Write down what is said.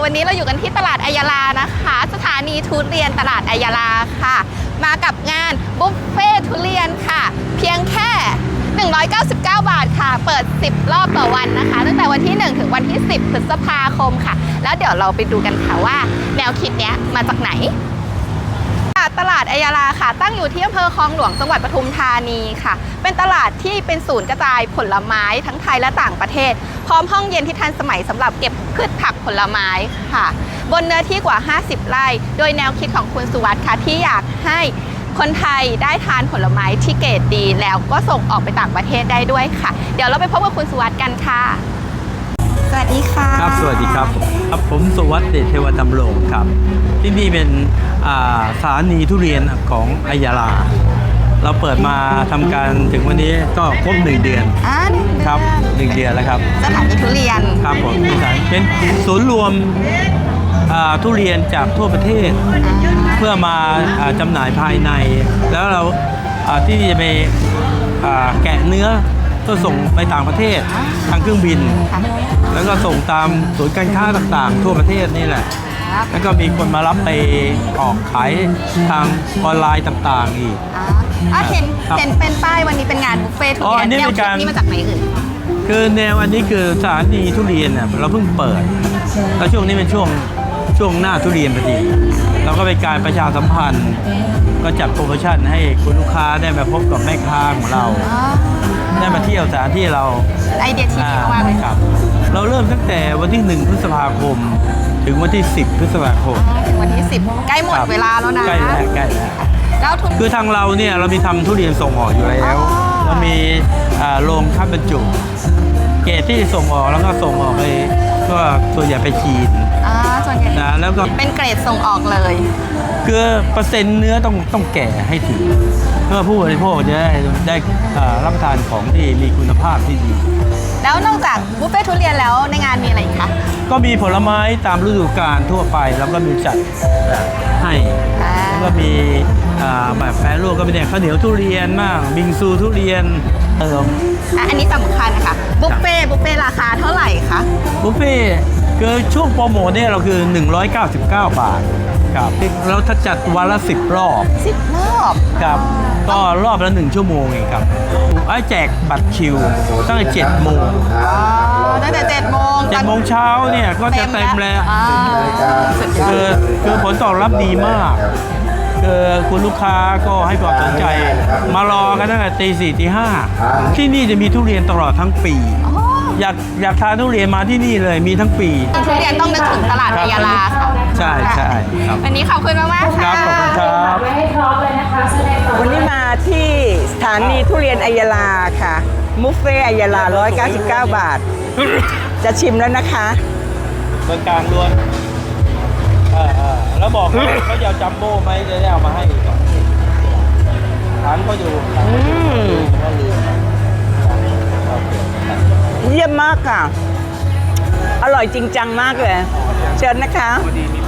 วันนี้เราอยู่กันที่ตลาดอัยยาลานะคะสถานีทุเรียนตลาดอัยยาลาค่ะมากับงานบุฟเฟ่ทุเรียนค่ะเพียงแค่199 บาทค่ะเปิด10รอบต่อวันนะคะตั้งแต่วันที่1ถึงวันที่10พฤษภาคมค่ะแล้วเดี๋ยวเราไปดูกันค่ะว่าแนวคิดเนี้ยมาจากไหนตลาดอัยยาลาค่ะตั้งอยู่ที่อำเภอคลองหลวงจังหวัดปทุมธานีค่ะเป็นตลาดที่เป็นศูนย์กระจายผลไม้ทั้งไทยและต่างประเทศพร้อมห้องเย็นที่ทันสมัยสำหรับเก็บพืชผักผลไม้ค่ะบนเนื้อที่กว่า50 ไร่โดยแนวคิดของคุณสุวัสดิ์ค่ะที่อยากให้คนไทยได้ทานผลไม้ที่เกรดดีแล้วก็ส่งออกไปต่างประเทศได้ด้วยค่ะเดี๋ยวเราไปพบกับคุณสุวัสดิ์กันค่ะสวัสดีค่ะครับสวัสดีครับผมสุวัสดิ์เดชเทวดำรงครับที่นี่เป็นสถานีทุเรียนของอัยยาลาเราเปิดมาทำการถึงวันนี้ก็ครบ1 เดือนครับ1 เดือนแล้วครับสถานีทุเรียนครับผมเป็นศูนย์รวมทุเรียนจากทั่วประเทศเพื่อมาจำหน่ายภายในแล้วเราที่จะไปแกะเนื้อก็ส่งไปต่างประเทศทางเครื่องบินแล้วก็ส่งตามศูนย์การค้าต่างๆทั่วประเทศนี่แหละแล้วก็มีคนมารับไปออกขายทางออนไลน์ต่างๆอีกเห็นเป็นป้ายวันนี้เป็นงานบุฟเฟ่ทุเรียนแนวคิดนี้มาจากไหนเอ่ยคือแนวอันนี้คือสถานีทุเรียนเนี่ยเราเพิ่งเปิดแล้วช่วงนี้เป็นช่วงหน้าทุเรียนพอดีเราก็เป็นการประชาสัมพันธ์ก็จัดโปรโมชั่นให้คุณลูกค้าได้มาพบกับแม่ค้าของเราได้มาเที่ยวสถานที่เราไอเดียที่ดีมากเลยครับเราเริ่มตั้งแต่วันที่1 พฤษภาคมถึงวันที่10 พฤษภาคมถึงวันที่10ใกล้หมดเวลาแล้วนะใกล้แล้วคือทางเราเนี่ยเรามีทำทุเรียนส่งออกอยู่แล้วเรามีโรงคัดบรรจุเกรดที่ส่งออกแล้วก็ส่งออกไปก็ส่วนใหญ่ไปจีนส่วนใหญ่นะแล้วก็เป็นเกรดส่งออกเลยคือเปอร์เซ็นต์เนื้อต้องแก่ให้ถึงเพื่อผู้บริโภคจะได้รับประทานของที่มีคุณภาพที่ดีแล้วนอกจากบุฟเฟ่ทุเรียนแล้วในงานมีอะไรอีกคะก็มีผลไม้ตามฤดูกาลทั่วไปแล้วก็มีจัดให้แล้วก็มีแบบแปรรูปก็มีแต่ข้าวเหนียวทุเรียนบ้างบิงซูทุเรียนอันนี้สำคัญนะคะบุฟเฟ่ราคาเท่าไหร่คะบุฟเฟ่คือช่วงโปรโมทเนี่ยเราคือ199 บาทครับแล้วถ้าจัดวันละ10 รอบครับก็รอบละ1 ชั่วโมงเองครับแจกบัตรคิวตั้งแต่7 โมงตั้งแต่7 โมงเช้าเนี่ยก็จะเต็มแล้วคือผลตอบรับดีมากคือคุณลูกค้าก็ให้ความสนใจมารอกันตั้งแต่ตี 4 ตี 5ที่นี่จะมีทุเรียนตลอดทั้งปีอยากทานทุเรียนมาที่นี่เลยมีทั้งปีทุเรียนต้องนึกถึงตลาดอัยยาลาค่ะใช่ครับวันนี้ขอบคุณมากๆค่ะขอบคุณครับวันนี้มาที่สถานีทุเรียนอัยยาลาค่ะบุฟเฟ่อัยยาลา199 บาทจะชิมแล้วนะคะเบอร์กลางล้วนแล้วบอกเขาจะเอาจัมโบ้ไหมจะได้เอามาให้ร้านก็อยู่เยี่ยมมากค่ะอร่อยจริงจังมากเลยเชิญนะคะ